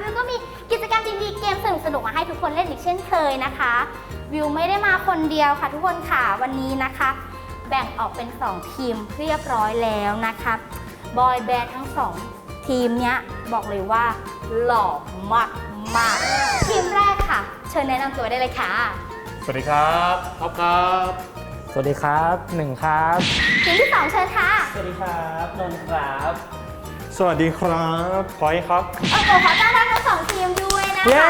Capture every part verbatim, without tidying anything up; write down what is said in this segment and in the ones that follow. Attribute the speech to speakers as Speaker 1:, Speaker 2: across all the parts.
Speaker 1: วิวก็มีกิจกรรมดีๆเกมสนุกๆมาให้ทุกคนเล่นอีกเช่นเคยนะคะวิวไม่ได้มาคนเดียวค่ะทุกคนค่ะวันนี้นะคะแบ่งออกเป็นสองทีมเรียบร้อยแล้วนะคะบอยแบนด์ทั้งสองทีมเนี้ยบอกเลยว่าหล่อมากมากทีมแรกค่ะเชิญแนะนำตัวได้เลยค่ะ
Speaker 2: สวัสดีครับท็อปครับ
Speaker 3: สวัสดีครับหนึ่งครับ
Speaker 1: ทีมที่สองเชิญค่ะ
Speaker 4: สวัสดีครับนนท์ครับ
Speaker 2: สวัสดีครับพลอยครับ
Speaker 1: โอ้โหขอต้อนรับทั้งสองทีมด้วยนะคะ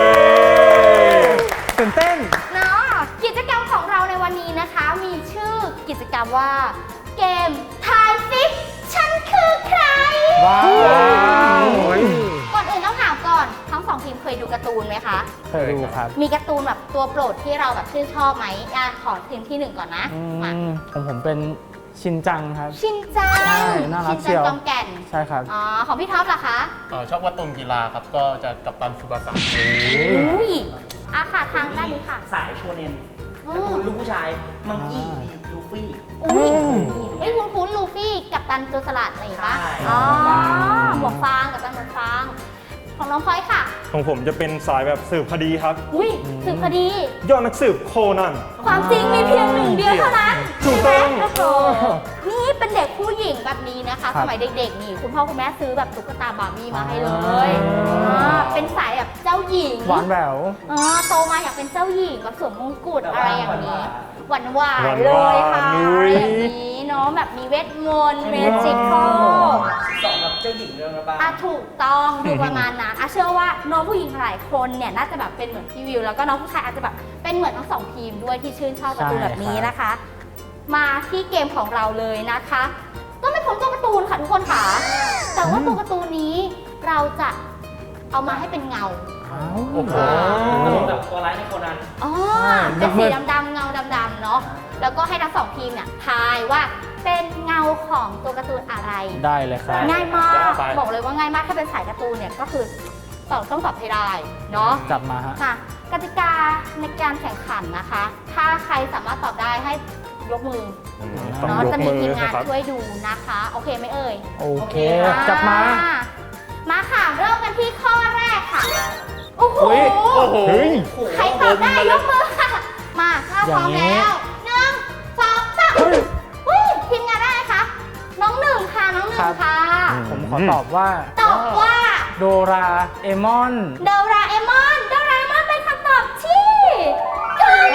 Speaker 3: ตื่นเต้น
Speaker 1: เนาะกิจกรรมของเราในวันนี้นะคะมีชื่อกิจกรรมว่าเกมทายซิฉันคือใคร
Speaker 3: ว้าว
Speaker 1: ก่อนอื่นต้องถามก่อนทั้งสองทีมเคยดูการ์ตูนไหมคะ
Speaker 3: เคยดูครับ
Speaker 1: มีการ์ตูนแบบตัวโปรดที่เราแบบชื่นชอบไหมอ่ะขอทีมที่หนึ่งก่อนนะมา
Speaker 3: ของผมเป็นชินจังครับ
Speaker 1: ชินจัง
Speaker 3: ใช่น่ารักเชียว
Speaker 1: ชินจังกองแก่น
Speaker 3: ใช่ครับ
Speaker 1: อ๋อของพี่ท็อปล่ะคะ
Speaker 2: อ๋อชอบการ์ตูนกีฬาครับก็จะกัปตันซูบาสะ
Speaker 1: อุ้ยอ่ะค่ะทางด้านนี้ค่ะ
Speaker 4: สายโชเนนการ์ตูนลูกผู้ชายมังกี้ลูฟี่
Speaker 1: อุ้ยไอ้คุณคุ้นลูฟี่กับตันโจรสลัดอะไรอย่างเงี้ยอ๋อหมวกฟางกับตันหมวกฟางของน้องพลอยค่ะ
Speaker 2: ของผมจะเป็นสายแบบสืบคดีครับ
Speaker 1: อุ้ยสืบคดี
Speaker 2: ยอดนักสืบโคนัน
Speaker 1: ความจริงมีเพียงหนึ่งเดียวเท่านั้น
Speaker 2: ถูกต้อง
Speaker 1: นี่เป็นเด็กผู้หญิงแบบนี้นะคะสมัยเด็กๆนี่คุณพ่อคุณแม่ซื้อแบบตุ๊กตาบาร์บี้มาให้เลยเป็นสายแบบเจ้าหญิง
Speaker 3: หวานแหวว
Speaker 1: โตมาอยากเป็นเจ้าหญิงแบบสวมมงกุฎอะไรอย่างนี้หวานหวานเลยค่ะอย่างนี้เนาะแบบมีเวทมนต์เมจิคอล
Speaker 4: สองแบบเจ้าหญิงเรื่องระบาย
Speaker 1: อ่ะถูกต้องดูประมาณนั้นอ่ะเชื่อว่าน้องผู้หญิงหลายคนเนี่ยน่าจะแบบเป็นเหมือนพี่วิวแล้วก็น้องผู้ชายอาจจะแบบเป็นเหมือนทั้งสองทีมด้วยที่ชื่นชอบการ์ตูนแบบนี้นะคะมาที่เกมของเราเลยนะคะก็ไม่พ้นตัวการ์ตูนค่ะทุกคนค่ะแต่ว่าตัวการ์ตูนนี้เราจะเอามาให้เป็นเงา
Speaker 4: โอ้โหแบบตัวร้ายในโคนัน
Speaker 1: อ๋อเป็นสีดำๆเงาดำๆเนาะแล้วก็ให้ทั้งสองทีมเนี่ยทายว่าเป็นเงาของตัวการ์ตูนอะไร
Speaker 3: ได้เลยครับ
Speaker 1: ง่ายมากบอกเลยว่าง่ายมากถ้าเป็นสายการ์ตูนเนี่ยก็คือตอบต้องตอบให้ได้เนาะ
Speaker 3: จับมาฮะ
Speaker 1: ค่ะกติกาในการแข่งขันนะคะถ้าใครสามารถตอบได้ให้ยกมือเนาะจะมีทีมงานช่วยดูนะคะโอเคไหมเอ่ย
Speaker 3: โอเคจับมา
Speaker 1: มาค่ะเริ่มกันที่ข้อแรกค่ะโอ้โหใครตอบได้ยกมือค่ะมาถ้าพร้อมแล้วหนึ่งสองสามทีมงานได้ไหมคะน้องหนึ่งค่ะน้องหนึ่งค่ะ
Speaker 3: ผมขอตอบว่า
Speaker 1: ตอบว่า
Speaker 3: โดราเอมอน
Speaker 1: โดราเอมอนโดราเอมอนเป็นคำตอบที่ถูก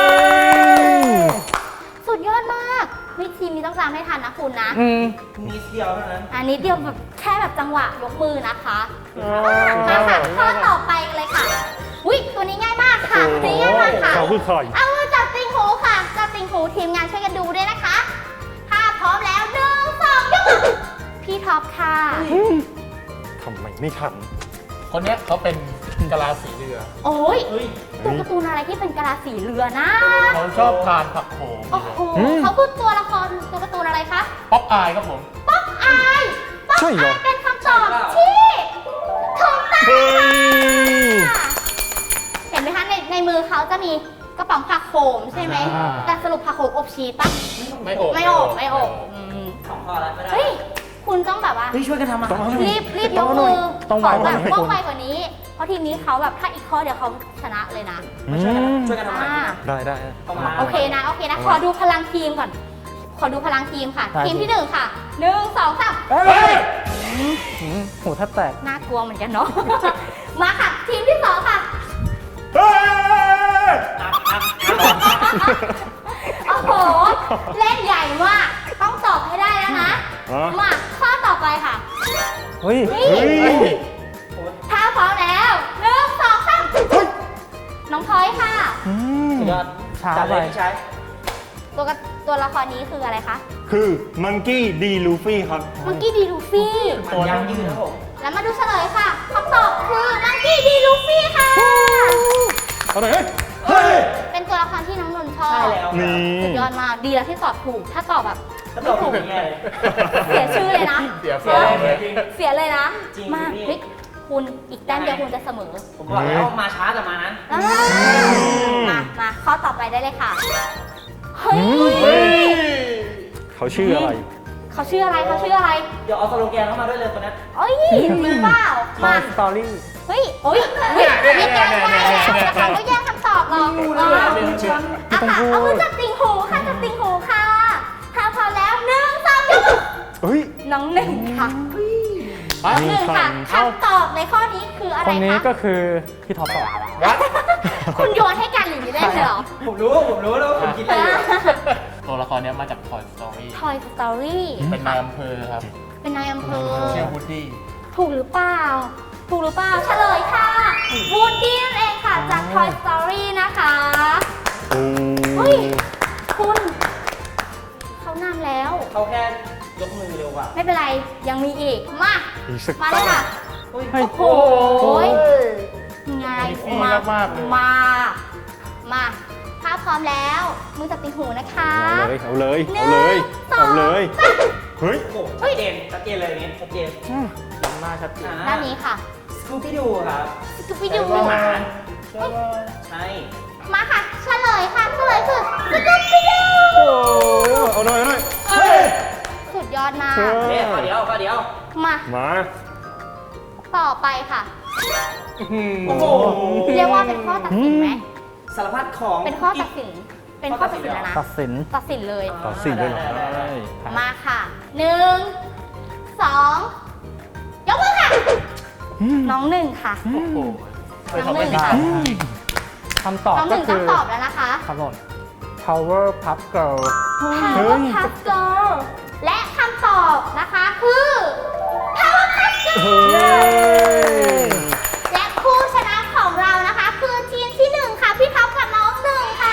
Speaker 1: สุดยอดมากไม่ทีมนี้ต้องจำให้ทันนะคุณนะ
Speaker 4: นิดเดียวเท่านั้น
Speaker 1: อันนี้เดียวแบบแค่แบบจังหวะยกมือนะคะมาค่ะข้อต่อไปกันเลยค่ะอุ้ยตัวนี้ง่ายมากค่ะตัวนี้ง่ายมากค่ะ
Speaker 2: เขาคือใคร
Speaker 1: เอามือจับติงหูค่ะจับติงหูทีมงานช่วยกันดูด้วยนะคะถ้าพร้อมแล้วหนึ่งสองยกมือพี่ท็อปค่ะ
Speaker 2: ทำไมไม่ทันคนนี้เขาเป็นกะลาสีเรือ
Speaker 1: โอ้ยตัวการ์ตูนอะไรที่เป็นกะลาสีเรือนะ
Speaker 2: เขาชอบทานผักโขม
Speaker 1: โอ้โหเขาคือตัวละครตัวการ์ตูนอะไรคะ
Speaker 2: ป๊อปอายครับผม
Speaker 1: ป๊อปอายป๊อปอายเป็นคำตอบที่ถูกต้องเห็นไหมคะในในมือเขาจะมีกระป๋องผักโขมใช่ไหมแต่สรุปผักโขมอบชีสปะ
Speaker 2: ไม่อบ
Speaker 1: ไม่อบไม่อบ
Speaker 4: สองข้อแล้วไม่ได้
Speaker 1: เฮ้ยคุณต้องแบบว่า
Speaker 4: ช่วยกันทำอะ
Speaker 1: รีบรีบยกมือขอแบบว่องไวกว่านี้เพราะทีมนี้เขาแบบถ้าอีกข้อเดียวเขาชนะเลยนะ
Speaker 4: ช่วยกันช่วยกันทำ
Speaker 2: ได้ได้
Speaker 1: โอเคนะโอเคนะขอดูพลังทีมก่อนขอดูพลังทีมค่ะทีมที่หนึ่งค่ะหนึ่งสองสาม
Speaker 3: โหแทบแตก
Speaker 1: น่ากลัวเหมือนกันเนาะมาค่ะทีมที่สองค่ะโอ้โหเล่นใหญ่มากต้องตอบให้ได้แล้วนะมาข้อต่อไปค่ะ
Speaker 3: เฮ้ย
Speaker 1: ถ้าพร้อมแล้วหนึ่งสองสามน้องพลอยค่ะ
Speaker 3: ช้าไป
Speaker 4: ใช้
Speaker 1: ตัวตัวละครนี้คืออะไรคะ
Speaker 2: คือมังกี้ดีลูฟี่ครับ
Speaker 1: มังกี้ดีลูฟี่
Speaker 4: ตัวยังยืนนะผม
Speaker 1: แล้วมาดูเฉลยค่ะคำตอบคือมังกี้ดีลูฟี่ค่ะ
Speaker 2: เอาหน่อย
Speaker 1: เฮ้ยเป็นตัวละครที่น้องนนท์ชอบ
Speaker 4: ใช่แล้ว
Speaker 1: สุดยอดมากดีแล้วที่ตอบถูกถ้าตอบแบบ
Speaker 4: ก็ตอบถูกไง
Speaker 1: เสียชื่อเลยนะ
Speaker 2: เสียเสียเลย
Speaker 1: เสียเลยนะมาพลิกคุณอีกแต้มเดียวคุณจะเสมอ
Speaker 4: ผมบอกแล้วมาช้าแต่มานั้น
Speaker 1: มามาข้อต่อไปได้เลยค่ะเฮ้ย
Speaker 2: เขาชื่ออะไร
Speaker 1: เเขาชื่ออะไรเขาชื่ออะไร
Speaker 4: เดี๋ยวเอาสโลแกนเข้ามาด้วยเลยคนนั้น
Speaker 1: เอ้ยรู้เปล่า
Speaker 3: ทอ
Speaker 1: มา
Speaker 3: ยสตอรี่
Speaker 1: เฮ้ยโอ้ยมีแก้มได้แล้วแต่เขาก็แย่งคำตอบหรอก
Speaker 4: รู้
Speaker 1: เอ
Speaker 4: เลย
Speaker 1: อ
Speaker 4: เป็นฉัน
Speaker 1: เอาค่ะเอามือจับติ่งหูค่ะจับติ่งหูค่ะถ้าพอแล้วหนึ่งสองยกมือ
Speaker 2: เฮ้ย
Speaker 1: น้องหนึ่งค่ะน้องหนึ่งค่ะคำตอบในข้อนี้คืออะไร
Speaker 3: คนนี้
Speaker 1: คะ
Speaker 3: ก็คือพี่ท็อปต่อ
Speaker 2: วัด
Speaker 1: คุณโยนให้กันหรือไม่ได้เลยเหรอ
Speaker 4: ผมรู้ผมรู้แล้วว่าคุณคิดอะไรอยู่
Speaker 2: ตัวละครเนี้ยมาจาก Toy Story
Speaker 1: Toy Story
Speaker 2: เป็นนายอำเภอครับ
Speaker 1: เป็นนายอำเภอ
Speaker 2: ชื่อวูดดี้
Speaker 1: ถูกหรือเปล่า ถูกหรือเปล่า เฉลยค่ะวูดดี้นั่นเองค่ะ จาก Toy Story นะคะเฮ้ย คุณ เขานำแล้ว
Speaker 4: เขาแค่ยกมือเร็วกว่า
Speaker 1: ไม่เป็นไร ยังมีอีก มา
Speaker 2: อีกสัก
Speaker 1: มาเลยค่ะ
Speaker 4: อุ้ย
Speaker 3: เฮ้ย
Speaker 1: โอ้โหไง
Speaker 2: มีฟี่
Speaker 1: มาม
Speaker 2: ากๆเลย
Speaker 1: มา มาถ้าพร้อมแล้ว มือจับติ่งหูนะคะ
Speaker 2: เอาเลย
Speaker 1: หนึ่
Speaker 2: เอาเลย
Speaker 1: งสอง
Speaker 2: เอาเลย เฮ้ย
Speaker 4: โอ้โหชัดเจนชัดเจนเลยนี่ชัดเจน
Speaker 3: จำหน้าชัดเจน
Speaker 1: ด้านนี้ค่ะ
Speaker 4: สกูปี้ดูครับ
Speaker 1: สกูปี้ดู
Speaker 4: เป็นหมา
Speaker 2: ใช่ป่ะ
Speaker 4: ใช่
Speaker 1: มาค่ะ เฉลยค่ะ เฉลยคือสกูปี้ดู
Speaker 2: โอ้เอาหน่อยเอาหน่อยเฮ้ย
Speaker 1: สุดยอดมาก
Speaker 2: เออ
Speaker 4: เดี๋ยวข้อเดียวข้อเดียว
Speaker 1: มา
Speaker 2: มา
Speaker 1: ต่อไปค่ะ
Speaker 4: โอ้โห
Speaker 1: เรียกว่าเป็นข้อตัดสินไหม
Speaker 4: สารพัดของ
Speaker 1: เป็นข้อตัดสิน เป็นข้อตัดสินแล้วนะ
Speaker 3: ตัดสิน
Speaker 1: ตัดสินเลย
Speaker 2: ต่อสิ่งด้วยเหรอ
Speaker 4: ได้ได้ได้
Speaker 1: มาค่ะหนึ่งสองยกมือค่ะ น้องหนึ่งค่ะ
Speaker 2: โอ้โหเคย
Speaker 1: น้อง
Speaker 2: ทำ
Speaker 1: ห
Speaker 2: ไม่
Speaker 1: นึ่ง
Speaker 2: ผิด
Speaker 1: ค่ะ
Speaker 3: คำตอบ
Speaker 1: น้องห
Speaker 3: ก็
Speaker 1: นึ่ง
Speaker 3: คื
Speaker 1: ต้อ
Speaker 3: อง
Speaker 1: ตอบแล้วนะคะ
Speaker 3: ครับผม Power Puff Girl
Speaker 1: Power Puff Girl และคำตอบนะคะคือ Power Puff Girl
Speaker 2: เฮ้ย
Speaker 1: และผู้ชนะของเรานะคะ คือทีมที่หนึ่งค่ะ พี่ท็อปกับน้องหนึ่งค่ะ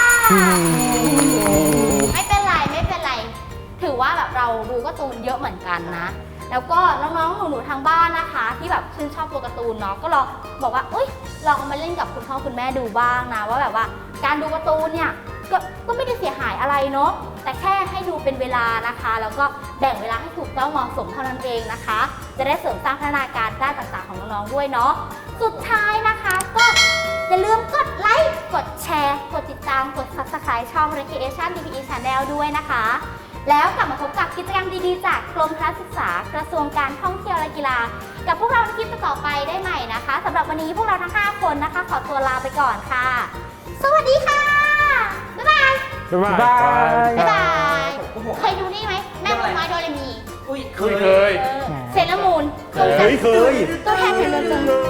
Speaker 1: ไม่เป็นไรไม่เป็นไร ถือว่าแบบเราดูการ์ตูนเยอะเหมือนกันนะ แล้วก็น้องๆหนูๆทางบ้านนะคะ ที่แบบชื่นชอบตัวการ์ตูนเนาะก็ลองบอกว่าเอ้ยลองเอามาเล่นกับคุณพ่อคุณแม่ดูบ้างนะว่าแบบว่าการดูการ์ตูนเนี่ยก็ก็ไม่ได้เสียหายอะไรเนาะแต่แค่ให้ดูเป็นเวลานะคะ แล้วก็แบ่งเวลาให้ถูกต้องเหมาะสมเท่านั้นเองนะคะ จะได้เสริมสร้างพัฒนาการด้านต่างๆของน้องๆด้วยเนาะสุดท้ายนะคะก็อย่าลืมกดไลค์กดแชร์กดติดตามกด ซับสไครบ์ ช่อง Recreation ที พี อี Channel ด้วยนะคะ แล้วกลับมาพบกับกิจกรรมดีๆ จากกรมพละศึกษากระทรวงการท่องเที่ยวและกีฬา กับพวกเราในคลิปต่อไปได้ใหม่นะคะสำหรับวันนี้พวกเราทั้งห้าคนนะคะ ขอตัวลาไปก่อนค่ะ สวัสดีค่ะ บ๊ายบาย
Speaker 2: บ๊ายบาย
Speaker 3: บ๊ายบาย
Speaker 1: บ๊ายบาย
Speaker 4: โอ้โห
Speaker 1: เคยดูนี่ไหมแม่มดน้อยโดเรมี
Speaker 4: อุ้ยเค
Speaker 2: เคย
Speaker 4: ย
Speaker 2: เคย
Speaker 1: เออเซเลอรามูน
Speaker 2: เคยเคย
Speaker 1: ตัวแทนแห่งเมืองจัง